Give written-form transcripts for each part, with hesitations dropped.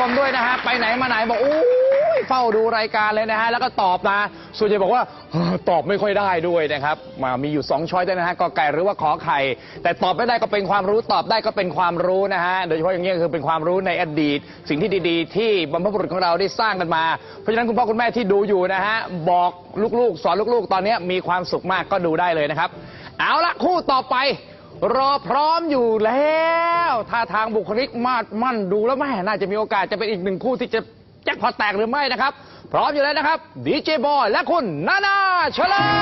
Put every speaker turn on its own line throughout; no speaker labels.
มด้วยนะฮะไปไหนมาไหนบอกอู้ยเฝ้าดูรายการเลยนะฮะแล้วก็ตอบมาส่วนใหญ่บอกว่าตอบไม่ค่อยได้ด้วยนะครับมีอยู่2ช้อยด้วยนะฮะกอไก่หรือว่าขอไข่แต่ตอบไม่ได้ก็เป็นความรู้ตอบได้ก็เป็นความรู้นะฮะโดยเฉพาะอย่างนี้คือเป็นความรู้ในอดีตสิ่งที่ดีๆที่บรรพบุรุษของเราได้สร้างกันมาเพราะฉะนั้นคุณพ่อคุณแม่ที่ดูอยู่นะฮะบอกลูกๆสอนลูกๆตอนนี้มีความสุขมากก็ดูได้เลยนะครับเอาละคู่ต่อไปรอพร้อมอยู่แล้วท่าทางบุคลิกมาดมั่นดูแล้วแม่น่าจะมีโอกาสจะเป็นอีกหนึ่งคู่ที่จะแจ็คพอตแตกหรือไม่นะครับพร้อมอยู่แล้วนะครับดีเจบอยและคุณนานาชลา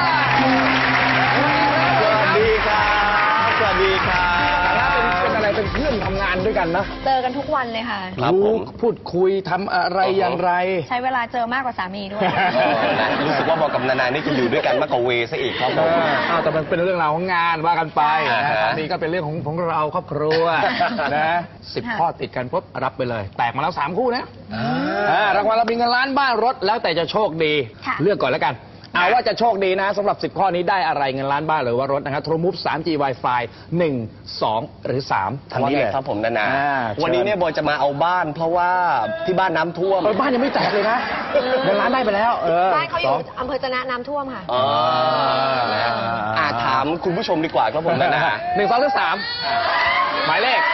สวัสดีครับสวัสดีครับ
เป็นอะไรเป็นเพื่อนทำงานด้วยกันนะ
เจอกันทุกวันเลยค่ะ
รู้พูดคุยทำอะไรอย่างไร
ใช้เวลาเจอมากกว่าสามีด้วย
รู้สึกว่าบอกกับนานานี่จะอยู่ด้วยกันมากกว่าเวซะอีกครับผม
แต่มันเป็นเรื่องราวของงานว่ากันไปสามีก็เป็นเรื่องของเราครอบครัวนะ10 ข้อติดกันปุ๊บรับไปเลยแตกมาแล้ว3 คู่นะรางวัลเรามีเงินล้านบ้านรถแล้วแต่จะโชคดีเลือกก่อนแล้วกันเอาว่าจะโชคดีนะสำหรับ10 ข้อนี้ได้อะไรเงินล้านบ้านหรือว่ารถนะครับโทรมูฟ 3G Wi-Fi 1 2 หรือ 3
ทางนี้เลยครับผมนานาวันนี้เนี่ยบอยจะมาเอาบ้านเพราะว่าที่บ้านน้ำท่วม
บ้านยังไม่แตกเลยนะเงินล้านได้ไปแล้ว
บ้านเขาอยู่อำเภอจะนะน้ำท่วมค่ะ
ถามคุณผู้ชมดีกว่าครับผมนานา
1 2 หรือ 3หมายเลข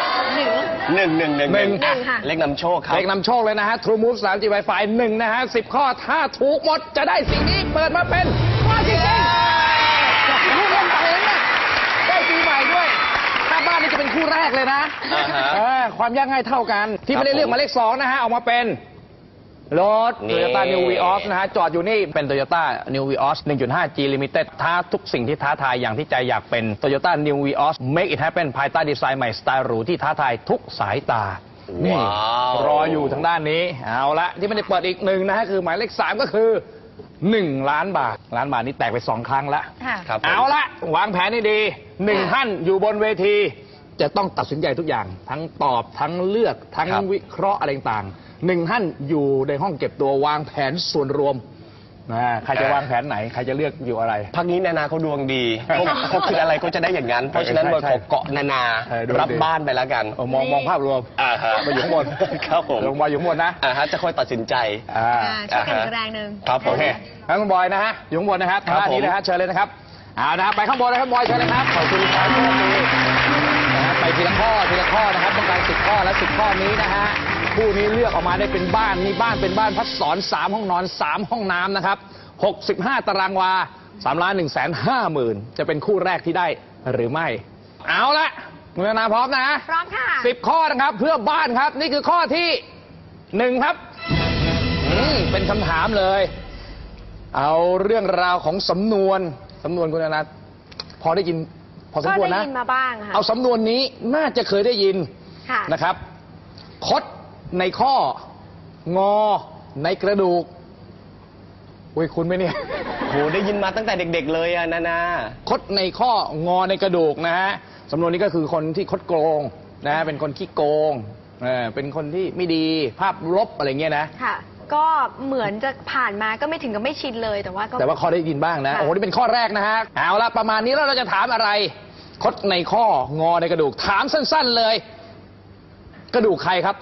1เลขนำโชคครับ
เลขนำโชคเลยนะฮะ True Move 3G Wi-Fi 1นะฮะ10 ข้อถ้าถูกหมดจะได้สิ่งนี้เปิดมาเป็นว่าจริงๆลูกเล่นไปเลยนะได้ปีใหม่ด้วยถ้าบ้านนี้จะเป็นคู่แรกเลยนะความยากง่ายเท่ากันที่ไม่ได้เลือกมาเลข2นะฮะออกมาเป็นรถ Toyota New Vios นะฮะจอดอยู่นี่เป็น Toyota New Vios 1.5G Limited ท้าทุกสิ่งที่ท้าทายอย่างที่ใจอยากเป็น Toyota New Vios Make it happen ภายใต้ดีไซน์ใหม่สไตล์หรูที่ท้าทายทุกสายตานี่รออยู่ทางด้านนี้เอาละที่ไม่ได้เปิดอีก1นะฮะคือหมายเลข3ก็คือ1 ล้านบาทนี้แตกไป2 ครั้งแล้วเอาละวางแผนให้ดี1 ท่านอยู่บนเวทีจะต้องตัดสินใจทุกอย่างทั้งตอบทั้งเลือกทั้งวิเคราะห์อะไรต่าง1 ท่านอยู่ในห้องเก็บตัววางแผนส่วนรวมใครจะวางแผนไหนใครจะเลือกอยู่อะไร
พักนี้นานาเขาดวงดีเขาคิดอะไรก็จะได้อย่างนั้นเพราะฉะนั้นเราขอเกาะนานารับบ้านไปแล้วกัน
มองภาพรวมมาอยู่ข้างบน
ครับผม
ลงมาอยู่ข้างบนนะ
จะค่อยตัดสินใจ
ช่วยกันอีกแรงหนึ่ง
ครับผม
งั้นคุณบอยนะฮะอยู่ข้างบนนะครับทางด้านนี้นะฮะเชิญเลยนะครับนะครับไปข้างบนเลยครับบอยเชิญเลยครับขอบคุณครับไปทีละข้อนะครับต้องการ10 ข้อและ10 ข้อนี้นะฮะคู่นี้เลือกออกมาได้เป็นบ้านมีบ้านเป็นบ้านพักสอน3 ห้องนอน3 ห้องน้ำนะครับ65 ตารางวา3,150,000จะเป็นคู่แรกที่ได้หรือไม่เอาละคุณนาพร้อมนะ
พร้อมค่ะ
10 ข้อนะครับเพื่อบ้านครับนี่คือข้อที่1ครับเป็นคำถามเลยเอาเรื่องราวของสำนวนคุณนาพอได้ยินพอสมควรนะ
ก็ได้ยินมาบ้างค่ะ
เอาสำนวนนี้น่าจะเคยได้ยินนะครับคดในข้องอในกระดูกคุณไหมเนี่ย
โหได้ยินมาตั้งแต่เด็กๆเลยอะนา
คดในข้องอในกระดูกนะฮะสำนวนนี้ก็คือคนที่คดโกงนะเป็นคนขี้โกงเป็นคนที่ไม่ดีภาพลบอะไรเงี้ยนะ
ค่ะก็เหมือนจะผ่านมาก็ไม่ถึงกับไม่ชินเลยแต่ว่า
ข้อได้ยินบ้างนะโอ้โหนี่เป็นข้อแรกนะฮะเอาละประมาณนี้แล้วเราจะถามอะไรคดในข้องอในกระดูกถามสั้นๆเลยกระดูกใครครับ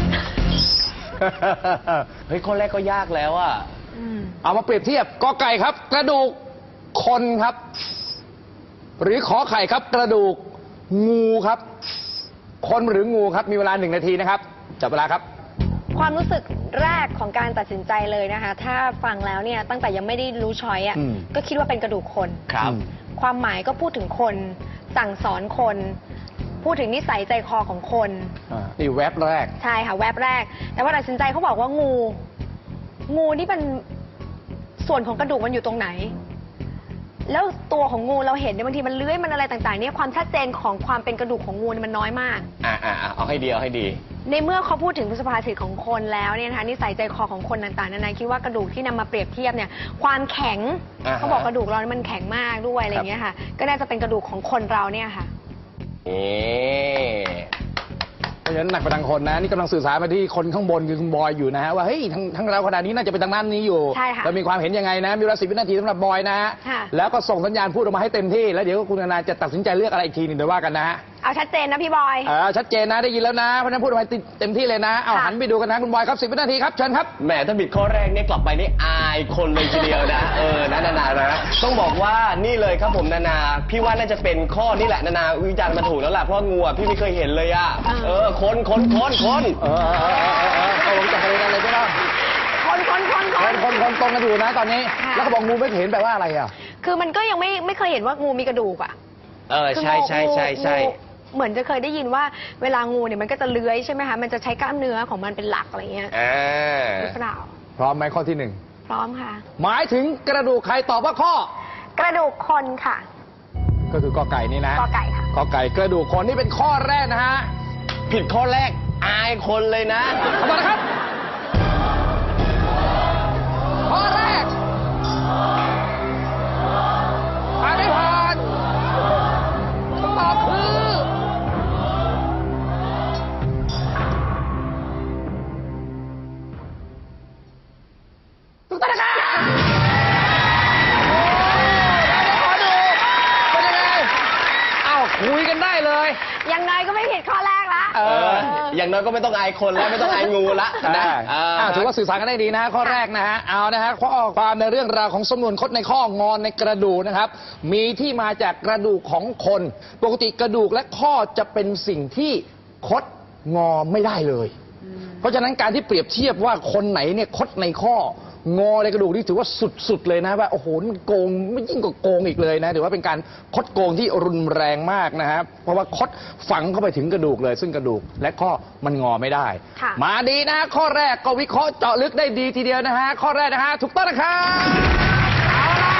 เฮ้ยข้อแรกก็ยากแล้วอะ
เอามาเปรียบเทียบกอไก่ครับกระดูกคนครับหรือขอไข่ครับกระดูกงูครับคนหรืองูครับมีเวลา1 นาทีนะครับจับเวลาครับ
ความรู้สึกแรกของการตัดสินใจเลยนะคะถ้าฟังแล้วเนี่ยตั้งแต่ยังไม่ได้รู้ช้อยก็คิดว่าเป็นกระดูกคน
ครับ
ความหมายก็พูดถึงคนสั่งสอนคนพูดถึงนิสัยใจคอของคน
นี่แวบแรก
ใช่ค่ะแวบแรกแต่ว่าตัดสินใจเขาบอกว่างูนี่เป็นส่วนของกระดูกมันอยู่ตรงไหนแล้วตัวของงูเราเห็นเนี่ยบางทีมันเลื้อยมันอะไรต่างๆเนี่ยความชัดเจนของความเป็นกระดูกของงูมันน้อยมาก
เอาให้ดี
ในเมื่อเขาพูดถึงสุภาษิตของคนแล้วเนี่ยนะคะนิสัยใจคอของคนต่างๆนานาคิดว่ากระดูกที่นำมาเปรียบเทียบเนี่ยความแข็งเขาบอกกระดูกเรามันแข็งมากด้วยอะไรอย่างเงี้ยค่ะก็น่าจะเป็นกระดูกของคนเราเนี่ยค่ะ
เพราะฉะนั้นหนักไปทางคนนะนี่กำลังสื่อสารมาที่คนข้างบนคือคุณบอยอยู่นะฮะว่าเฮ้ยทั้งเราขนาดนี้น่าจะเป็นทางนั้นนี้อยู่เรามีความเห็นยังไงนะมีเวลา10 วินาทีสำหรับบอยนะฮะแล้วก็ส่งสัญญาณพูดออกมาให้เต็มที่แล้วเดี๋ยวคุณนาจะตัดสินใจเลือกอะไรอีกทีหนึ่งเดี๋ยวว่ากันนะฮะ
เอาชัดเจนนะพี่บอย
ชัดเจนนะได้ยินแล้วนะเพราะฉะนั้นพูดไปเต็มที่เลยนะเอา
ค่ะ
หันไปดูกันนะคุณบอยครับ10 วินาทีครับเชิญครับ
แหมถ้าบิดข้อแรกเนี่ยกลับไปนี่อายคนเลยทีเดียวนะนานะต้องบอกว่านี่เลยครับผมนาพี่ว่าน่าจะเป็นข้อนี่แหละนาวิจารณ์มาถูกแล้วล่ะเพราะงูอ่ะพี่ไม่เคยเห็นเลยอ่ะคน
เอาลงจากอะไรได้บ้างคนตรงกันอยู่นะตอนนี้
ค่ะ
แล้วก็บอกงูไม่เห็นแปลว่าอะไรอ่ะ
คือมันก็ยังไม่เคยเห็นว่างูมีกระดูกอ่ะ
ใช่
งูเหมือนจะเคยได้ยินว่าเวลางูเนี่ยมันก็จะเลื้อยใช่ไหมคะมันจะใช้กล้ามเนื้อของมันเป็นหลักอะไรเงี้ยหรือเปล่า
พร้อมไหมข้อที่
พร้อมค่ะ
1หมายถึงกระดูกใครตอบว่าข้อ
กระดูกคนค่ะ
ก็คือกอไก่นี่นะ
กอไก่ค่ะ
กอไก่กระดูกคนนี่เป็นข้อแรกนะฮะ
ผิดข้อแรกอายคนเลยนะ
ขอบคุณนะครับข้อแรกผ่านไม่ผ่านคำตอบคือถูกต้องนะครับโอ้ได้ขอดูเป็นยังไงอ้าวคุยกันได้เลย
ยังไงก็ไม่ผิดข้อแรกละ
อย่างน้อยก็ไม่ต้องอายคนแล้วไม่ต้องอายงูละนะ
ถือว่าสื่อสารกันได้ดีนะข้อแรกนะฮะเอานะฮะข้อความในเรื่องราวของสำนวนคดในข้องอนในกระดูกนะครับ มีที่มาจากกระดูกของคน ปกติกระดูกและข้อจะเป็นสิ่งที่คดงอไม่ได้เลย เพราะฉะนั้นการที่เปรียบเทียบว่าคนไหนเนี่ยคดในข้องอในกระดูกนี่ถือว่าสุดๆเลยนะว่าโอ้โหมันโกงไม่ยิ่งกว่าโกงอีกเลยนะถือว่าเป็นการคดโกงที่รุนแรงมากนะครับเพราะว่าคดฝังเข้าไปถึงกระดูกเลย ซึ่งกระดูกและข้อมันงอไม่ได้
ค่ะ
มาดีนะ ข้อแรกก็วิเคราะห์เจาะลึกได้ดีทีเดียวนะฮะข้อแรกนะฮะถูกต้องนะครับเอาละ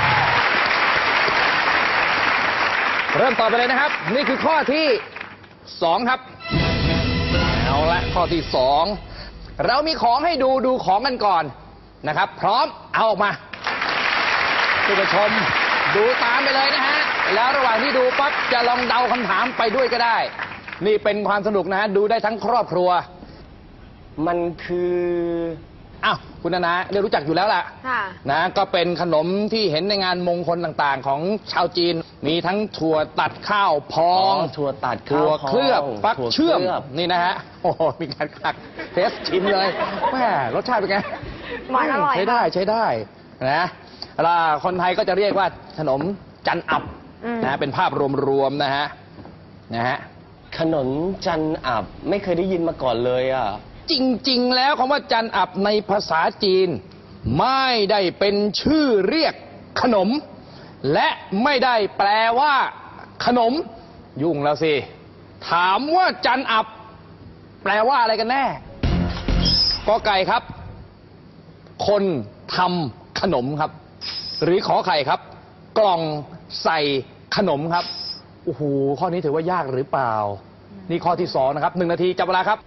เริ่มต่อไปเลยนะครับ นี่คือข้อที่ 2 ครับเอาละข้อที่ 2 เรามีของให้ดูของกันก่อนนะครับ พร้อมเอาออกมาคุณผู้ชมดูตามไปเลยนะฮะแล้วระหว่างที่ดูปั๊บจะลองเดาคำถามไปด้วยก็ได้ นี่เป็นความสนุกนะฮะดูได้ทั้งครอบครัว
มันคือ
อ้าวคุณนาเดี๋ยวรู้จักอยู่แล้วล่ะ
ค่ะ
นะก็เป็นขนมที่เห็นในงานมงคลต่างๆ ของชาวจีน มีทั้งถั่วตัดข้าวพอง
ถั่วตัด
ถั่วเคลือบ
ข้าวพอง
ฟักเชื่อม
ถั่วเคลือบ
นี่นะฮะโอ้โหมีการขักเทสชิมเลยแม่รสชาติเป็นไง
หวานอร่อย
ใช้ได้นะแล้วคนไทยก็จะเรียกว่าขนมจันอับนะเป็นภาพรวมๆนะฮะ
ขนมจันอับไม่เคยได้ยินมาก่อนเลยอ่ะ
จริงๆ แล้วคำว่าจันอับในภาษาจีน ไม่ได้เป็นชื่อเรียกขนม และไม่ได้แปลว่า ขนมยุ่งแล้วสิ ถามว่าจันอับ แปลว่าอะไรกันแน่กอไก่ครับ คนทำขนมครับ หรือขอไข่ครับ กล่องใส่ขนมครับโอ้โหข้อนี้ถือว่ายากหรือเปล่า นี่ข้อที่ 2 นะครับ 1 นาทีจับเวลาครับ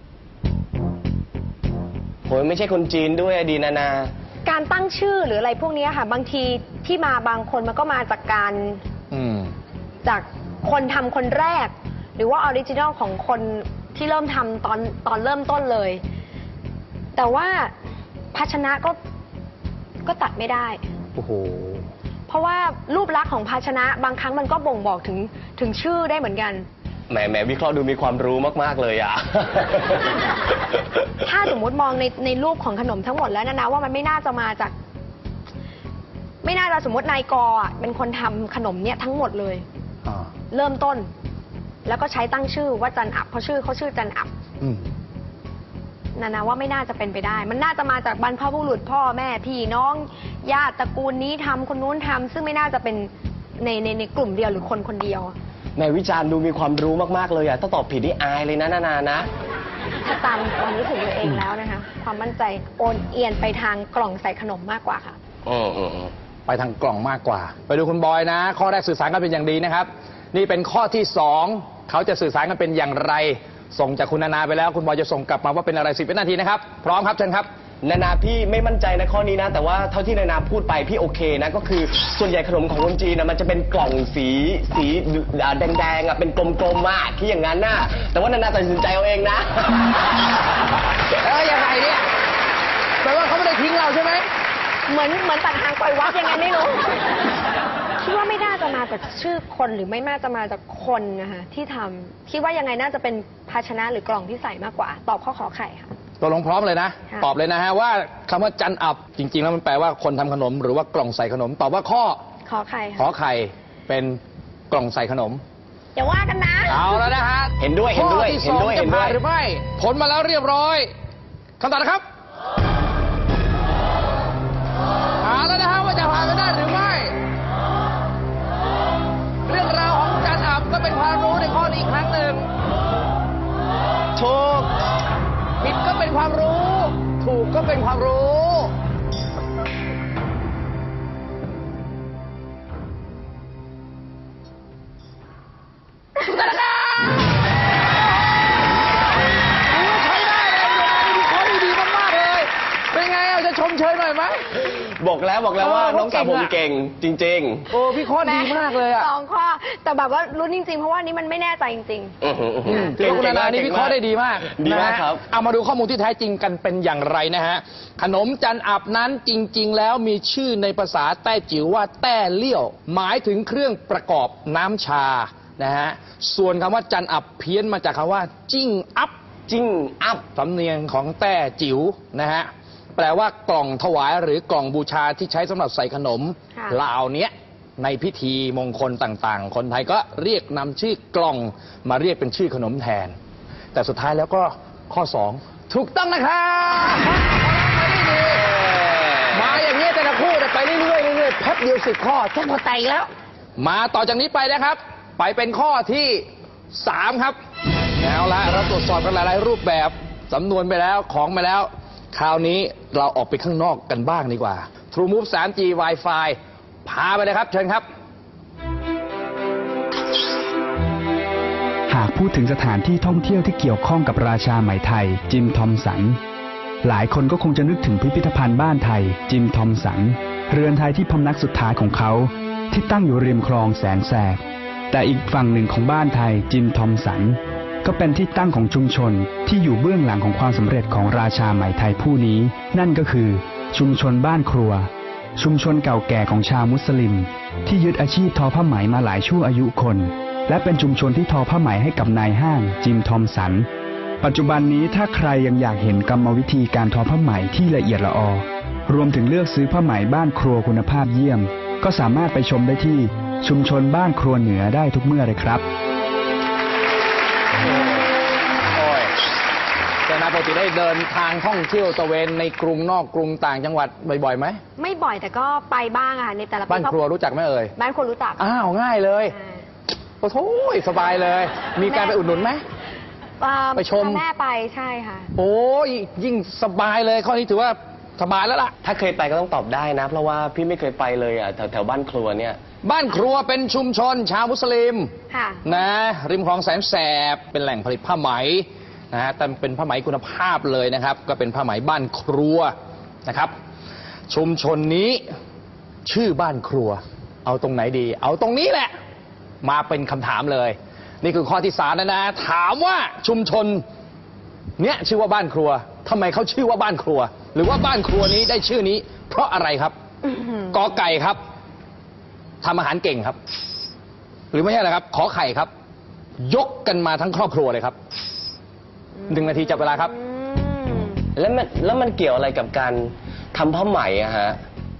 โหยไม่ใช่คนจีนด้วยอะดีนา
การตั้งชื่อหรืออะไรพวกนี้ค่ะ บางทีที่มาบางคนมันก็มาจากการ จากคนทำคนแรก หรือว่าออริจินอลของคนที่เริ่มทำตอนเริ่มต้นเลย แต่ว่าภาชนะก็ตัดไม่ได้
โอ้โห
เพราะว่ารูปลักษณ์ของภาชนะบางครั้งมันก็บ่งบอกถึงชื่อได้เหมือนกัน
แหมวิเคราะห์ดูมีความรู้มากๆเลยอ่ะ
ถ้าสมมุติมองในรูปของขนมทั้งหมดแล้วนะว่ามันไม่น่าจะมาจาก ไม่น่าจะสมมตินายกอ่ะเป็นคนทำขนมเนี่ยทั้งหมดเลย เริ่มต้น แล้วก็ใช้ตั้งชื่อว่าจันอับเพราะชื่อเขาชื่อจันอับนาว่าไม่น่าจะเป็นไปได้ มันน่าจะมาจากบรรพบุรุษพ่อแม่พี่น้องญาติตระกูลนี้ทำคนนู้นทำซึ่งไม่น่าจะเป็นในกลุ่มเดียวหรือคนคนเดียว
แม่วิจารณ์ดูมีความรู้มากๆเลยอ่ะถ้าตอบผิดนี่อายเลยนะนานะ
ถ้าตามความรู้สึกตัวเองแล้วนะคะ ความมั่นใจโอนเอียนไปทางกล่องใส่ขนมมากกว่าค่ะ
ไปทางกล่องมากกว่า ไปดูคุณบอยนะ ข้อแรกสื่อสารกันเป็นอย่างดีนะครับ นี่เป็นข้อที่ 2เขาจะสื่อสารกันเป็นอย่างไร ส่งจากคุณนาไปแล้วคุณบอยจะส่งกลับมาว่าเป็นอะไร10 วินาทีนะครับพร้อมครับเชิญครับ
นาพี่ไม่มั่นใจนะข้อนี้นะ แต่ว่าเท่าที่นาพูดไปพี่โอเคนะก็คือส่วนใหญ่ขนมของคนจีนนะมันจะเป็นกล่องสีแดงๆอ่ะเป็นกลมๆอ่ะที่อย่างนั้นน่ะแต่ว่านาตัดสินใจเอาเองนะ
ยังไงเนี่ยแปลว่าเขาไม่ได้ทิ้งเราใช่ไหม
เหมือนตัดหางปล่อยวัดยังไงไม่รู้คิดว่าไม่น่าจะมาจากชื่อคนหรือไม่น่าจะมาจากคนนะคะที่ทำคิดว่ายังไงน่าจะเป็นภาชนะหรือกล่องที่ใส่มากกว่า ตอบข้อขอไข่ค่ะ
ตกลงพร้อมเลยนะ
ค่ะ
ตอบเลยนะฮะว่าคำว่าจันอับจริงๆแล้วมันแปลว่าคนทำขนมหรือว่ากล่องใส่ขนม ตอบว่าข้อ
ขอไข่
ขอ
ค่ะ
ไข่เป็นกล่องใส่ขนม
อย่าว่ากันนะ
เอาแล้วนะฮะ
เห็นด้วยเห็นด้วย
ข้อที่
เห็
ส
น
อง
ด้วย
จะ
เห็นด้
ผ่า
วน ย
หรือไม่ ผลมาแล้วเรียบร้อยคำตอบนะครับเอาแล้วนะฮะว่าจะผ่านไปได้หรือไม่ เรื่องราวของจันอับก็เป็นความรู้ในข้อนี้อีกครั้งหนึ่ง
ถูก
ผิดก็เป็นความรู้ ถูกก็เป็นความรู้ ใช้ได้เลยมีข้อดีมากๆเลย เป็นไงอ่ะจะชมเชยหน่อยไหม
บอกแล้วว่าน้องสาวผมเก่งจริง
โอ้พี่ข้อดีมากเลยอ่ะ
สองข้อ แต่แบบว่าลุ้นจริงๆ เพราะว่านี้มันไม่แน่ใจจริง
ๆ อื้อหืออื้อหือ
ถือว่าคุณนานานี่วิเคราะห์ได้ดีมาก
ดีมาก
นะฮะ
ครับ
เอามาดูข้อมูลที่แท้จริงกันเป็นอย่างไรนะฮะ ขนมจันอับนั้นจริง ๆ แล้วมีชื่อในภาษาแต้จิ๋วว่าแต้เลี่ยว หมายถึงเครื่องประกอบน้ำชานะฮะ ส่วนคำว่าจันอับเพี้ยนมาจากคำว่าจิ้งอัพ
จิ้งอัพ
สำเนียงของแต้จิ๋วนะฮะ แปลว่ากล่องถวายหรือกล่องบูชาที่ใช้สำหรับใส่ขนม
ค่ะ
ลาวเนี้ยในพิธีมงคลต่างๆ คนไทยก็เรียกนำชื่อกล่องมาเรียกเป็นชื่อขนมแทน แต่สุดท้ายแล้วก็ข้อ 2 ถูกต้องนะครับมาอย่างนี้แต่ละคู่ไปเรื่อยๆเรื่อยๆแป๊บเดียว10 ข้อแจ็คพอตแตกอีกแล้ว มาต่อจากนี้ไปนะครับ ไปเป็นข้อที่ 3 ครับเอาละเราตรวจสอบกันหลายๆรูปแบบสำนวนไปแล้วของไปแล้ว คราวนี้เราออกไปข้างนอกกันบ้างดีกว่า True Move 3G Wi-Fi พาไปเลยครับเชิญครับ
หากพูดถึงสถานที่ท่องเที่ยวที่เกี่ยวข้องกับราชาไหมไทย จิมทอมสัน หลายคนก็คงจะนึกถึงพิพิธภัณฑ์บ้านไทย จิมทอมสัน เรือนไทยที่พำนักสุดท้ายของเขา ที่ตั้งอยู่ริมคลองแสนแสบ แต่อีกฝั่งหนึ่งของบ้านไทย จิมทอมสัน ก็เป็นที่ตั้งของชุมชนที่อยู่เบื้องหลังของความสำเร็จของราชาไหมไทยผู้นี้ นั่นก็คือ ชุมชนบ้านครัว ชุมชนเก่าแก่ของชาวมุสลิม ที่ยึดอาชีพทอผ้าไหมมาหลายชั่วอายุคน และเป็นชุมชนที่ทอผ้าไหมให้กับนายห้างจิมทอมสัน ปัจจุบันนี้ถ้าใครยังอยากเห็นกรรมวิธีการทอผ้าไหมที่ละเอียดละออ รวมถึงเลือกซื้อผ้าไหมบ้านครัวคุณภาพเยี่ยม ก็สามารถไปชมได้ที่ชุมชนบ้านครัวเหนือได้ทุกเมื่อเลยครับ
โอ้ยแต่นาปกติได้เดินทางท่องเที่ยวตระเวนในกรุงนอกกรุงต่างจังหวัดบ่อยๆไหม
ๆ ไม่บ่อยแต่ก็ไปบ้างอะค่ะในแต่ละปี
บ้านครัวรู้จักไหมเอ่ย
บ้านครัวรู้จัก
อ้าวง่ายเลย
อ่า
โอ้โหสบายเลย มีการไปอุดหนุนไหม ไปชม
พาแม่ไปใช่ค่ะ
โอ้ยยิ่งสบายเลยข้อนี้ถือว่าสบายแล้วล่ะ
ถ้าเคยไปก็ต้องตอบได้นะ เพราะว่าพี่ไม่เคยไปเลยอ่ะแถวบ้านครัวเนี่ย
บ้านครัวเป็นชุมชนชาวมุสลิม
ค่ะ
นะริมคลองแสนแสบเป็นแหล่งผลิตผ้าไหมนะฮะแต่เป็นผ้าไหมคุณภาพเลยนะครับ ก็เป็นผ้าไหมบ้านครัวนะครับ ชุมชนนี้ชื่อบ้านครัว เอาตรงไหนดี เอาตรงนี้แหละ มาเป็นคำถามเลย นี่คือข้อที่3นะ ถามว่าชุมชนเนี้ยชื่อว่าบ้านครัวทำไมเขาชื่อว่าบ้านครัว หรือว่าบ้านครัวนี้ได้ชื่อนี้ เพราะอะไรครับ กอไก่ครับทำอาหารเก่งครับ หรือไม่ใช่อะไรครับ ขอไข่ครับ ยกกันมาทั้งครอบครัวเลยครับ1 นาทีจับเวลาครับ
แล้วมันเกี่ยวอะไรกับการทำผ้าไหมอะฮะ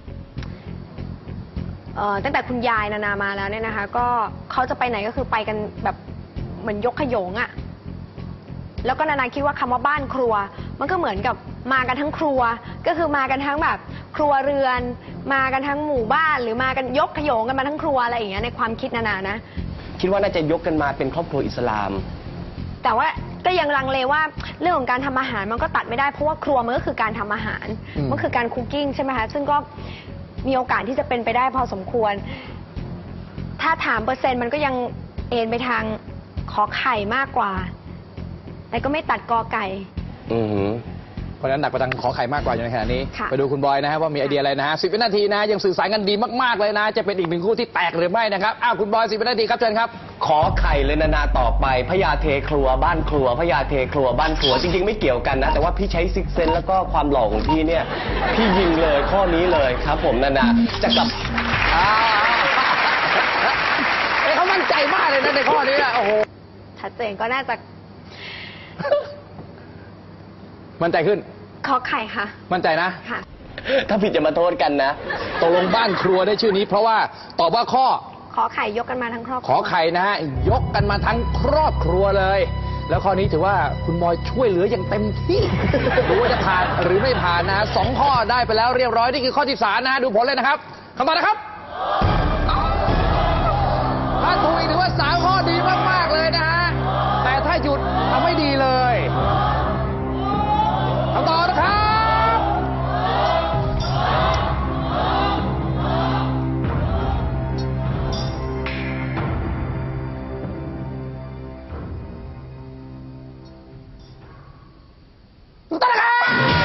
ตั้งแต่คุณยายนานามาแล้วเนี่ยนะคะ ก็เขาจะไปไหนก็คือไปกันแบบเหมือนยกขโยงอะแล้วก็นานาคิดว่าคำว่าบ้านครัว มันก็เหมือนกับมากันทั้งครัว ก็คือมากันทั้งแบบครัวเรือน มากันทั้งหมู่บ้าน หรือมากันยกขโยงกันมาทั้งครัวอะไรอย่างเงี้ยในความคิดนานานะ
คิดว่าน่าจะยกกันมาเป็นครอบครัวอิสลาม
แต่ว่าก็ยังลังเลว่าเรื่องของการทำอาหารมันก็ตัดไม่ได้เพราะว่าครัวมันก็คือการทำอาหาร มันคือการคุกกิ้งใช่ไหมคะซึ่งก็มีโอกาสที่จะเป็นไปได้พอสมควร ถ้าถามเปอร์เซ็นต์มันก็ยังเอ็นไปทางขอไข่มากกว่า แต่ก็ไม่ตัดกอไก่
อือหือ
เพราะฉะนั้นหนักไปทางขอไข่มากกว่าอยู่ในขณะนี้
ค่ะ
ไปดูคุณบอยนะฮะว่ามีไอเดียอะไรนะฮะ10 วินาทีนะยังสื่อสารกันดีมากๆเลยนะ จะเป็นอีก1 คู่ที่แตกหรือไม่นะครับอ้าวคุณบอย10 วินาทีครับเชิญครับ
ขอไข่เลยนาต่อไปพญาเทครัวบ้านครัวพญาเทครัวบ้านครัวจริงๆไม่เกี่ยวกันนะ แต่ว่าพี่ใช้ซิกเซนแล้วก็ความหล่อของพี่เนี่ยพี่ยิงเลยข้อนี้เลยครับ ผมนาจะกลับ
มั่นใจมากเลยนะในข้อนี้โอ้โห
ชัดเจนก็น่าจะ
มั่นใจขึ้น
ขอไข่ค่ะ
มั่นใจนะ
ค่ะ
ถ้าผิดจะมาโทษกันนะ
ตกลงบ้านครัวได้ชื่อนี้ เพราะว่าตอบว่าข้อ
ขอไข่ยกกันมาทั้งครอบค
ข
รั
อ
ว
ไข่นะฮะยกกันมาทั้งครอบครัวเลย แล้วข้อนี้ถือว่าคุณบอยช่วยเหลืออย่างเต็มที่ ดูว่าจะผ่านหรือไม่ผ่านนะฮะ2 ข้อได้ไปแล้วเรียบร้อยนี่คือข้อที่3นะฮะดูผลเลยนะครับคำตอบนะครับถ้าถูกอีกถือว่า3 ข้อดีมากๆเลยนะฮะแต่ถ้าหยุดทำไม่ดีเลยคำตอบนะครับถูกต้องนะครับ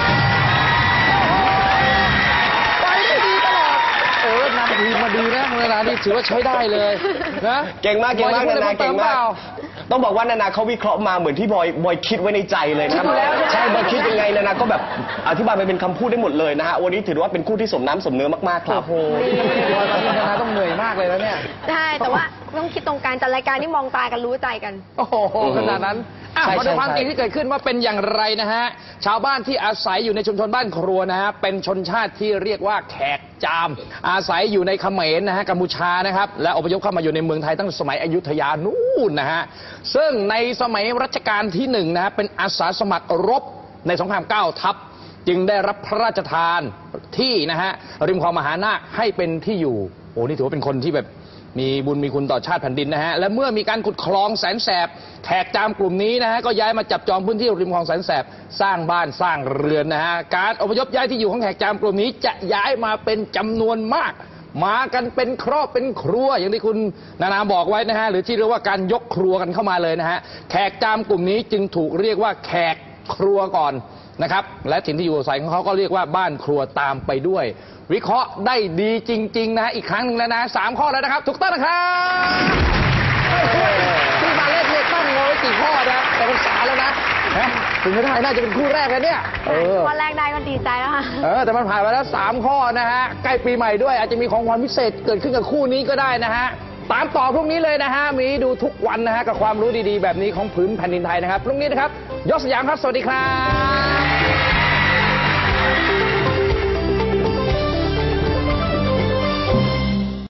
ไปได้ดีตลอดนำทีมมาดีนะเวลานี้ถือว่าใช้ได้เลยนะ
เก่งมากเก่งมาก
บอยจะพูดอะไร
นานาเก่งมาก
เพิ่มเติมเปล่า
ต้องบอกว่านานาเขาวิเคราะห์มาเหมือนที่บอยคิดไว้ในใจเลยนะ
คิดอยู่แล้วใช่ไหม
ใช่บอยคิดยังไงนานาก็แบบอธิบายไปเป็นคำพูดได้หมดเลยนะฮะวันนี้ถือว่าเป็นคู่ที่สมน้ำสมเนื้อมากๆครับ
โอ้โหบอยกับพี่นานาต้องเหนื่อยมากเลยแล้วเนี่ย
ใช่แต่ว่าต้องคิดตรงกันจัดรายการนี่มองตากันรู้ใจกัน
โอ้โหขนาดนั้นอ่ะ
ใช่
มาดูความ
ใช่
จริงที่เกิดขึ้นว่าเป็นอย่างไรนะฮะ ชาวบ้านที่อาศัยอยู่ในชุมชนบ้านครัวนะฮะ เป็นชนชาติที่เรียกว่าแขกจาม อาศัยอยู่ในเขมรนะฮะ กัมพูชานะครับ และอพยพเข้ามาอยู่ในเมืองไทยตั้งแต่สมัยอยุธยานู่นนะฮะ ซึ่งในสมัยรัชกาลที่1นะฮะ เป็นอาสาสมัครรบในสงคราม9 ทัพ จึงได้รับพระราชทานที่นะฮะริมคลองมหานาคให้เป็นที่อยู่โอ้นี่ถือว่าเป็นคนที่แบบมีบุญมีคุณต่อชาติแผ่นดินนะฮะและเมื่อมีการขุดคลองแสนแสบแขกจามกลุ่มนี้นะฮะก็ย้ายมาจับจองพื้นที่ริมคลองแสนแสบสร้างบ้านสร้างเรือนนะฮะการอพยพย้ายที่อยู่ของแขกจามกลุ่มนี้จะย้ายมาเป็นจำนวนมาก มากันเป็นครอบเป็นครัวอย่างที่คุณนานาบอกไว้นะฮะหรือที่เรียกว่าการยกครัวกันเข้ามาเลยนะฮะแขกจามกลุ่มนี้จึงถูกเรียกว่าแขกครัวก่อนนะครับและถิ่นที่อยู่อาศัยของเขาก็เรียกว่าบ้านครัวตามไปด้วย วิเคราะห์ได้ดีจริงๆนะฮะอีกครั้งหนึ่งแล้วนะ3 ข้อแล้วนะครับถูกต้องนะครับที่มาเล่นเนี่ยตั้งงงไว้4 ข้อนะแต่เป็น3แล้วนะถึงไม่ได้น่าจะเป็นคู่แรกแล้วเนี่ย
ข้อแรกได้ก็ดีใจแล้วค่ะ
แต่มันผ่านมาแล้ว3 ข้อนะฮะใกล้ปีใหม่ด้วยอาจจะมีของขวัญพิเศษเกิดขึ้นกับคู่นี้ก็ได้นะฮะตามต่อพรุ่งนี้เลยนะฮะมีดูทุกวันนะฮะกับความรู้ดีๆแบบนี้ของพื้นแผ่นดินไทยนะครับพรุ่งนี้นะครับยศสยามครับสวัสดีครับ